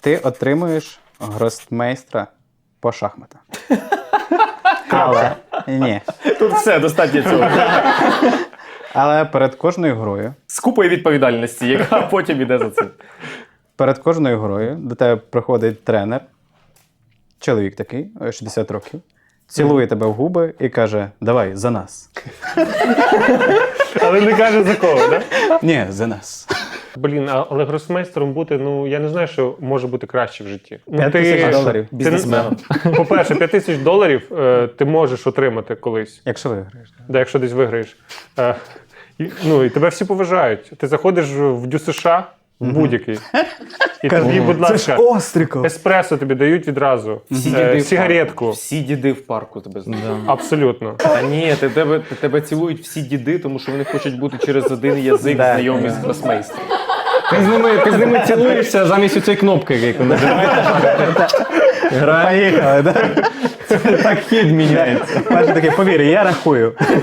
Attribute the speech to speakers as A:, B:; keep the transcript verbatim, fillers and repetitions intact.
A: Ти отримуєш гросмейстра по шахматах. Але ні.
B: Тут все, достатньо цього.
A: Але перед кожною грою,
B: З купою відповідальності, яка потім іде за цим.
A: перед кожною грою до тебе приходить тренер, чоловік такий, шістдесят років, цілує тебе в губи і каже: давай, за нас.
C: Але не каже за кого, так?
A: Ні, за нас.
C: Блін, а- але гросмейстером бути, ну я не знаю, що може бути краще в житті. Ну,
A: П'ять тисяч доларів.
C: ти-
B: Бізнесменом.
C: По-перше, п'ять тисяч доларів е, ти можеш отримати колись,
A: Якщо виграєш.
C: да, якщо десь виграєш. Е, і, ну, і тебе всі поважають. Ти заходиш в Дю США, в будь-який, і тобі, будь ласка,
A: Остриков!
C: еспресо тобі дають відразу,
B: Всі
C: е,
B: діди в
C: сигаретку.
B: парку. Всі діди в парку тебе знають.
C: Абсолютно.
B: Та ні, ти- тебе, тебе цілують всі діди, тому що вони хочуть бути через один язик
A: Да.
B: знайомі з гросмейстром.
D: Ти з ними, ти з ними цілуєшся замість цієї кнопки, яку нажимаєш.
A: Поїхали, так?
D: Так хід міняється.
A: Перший такий, повір, я рахую.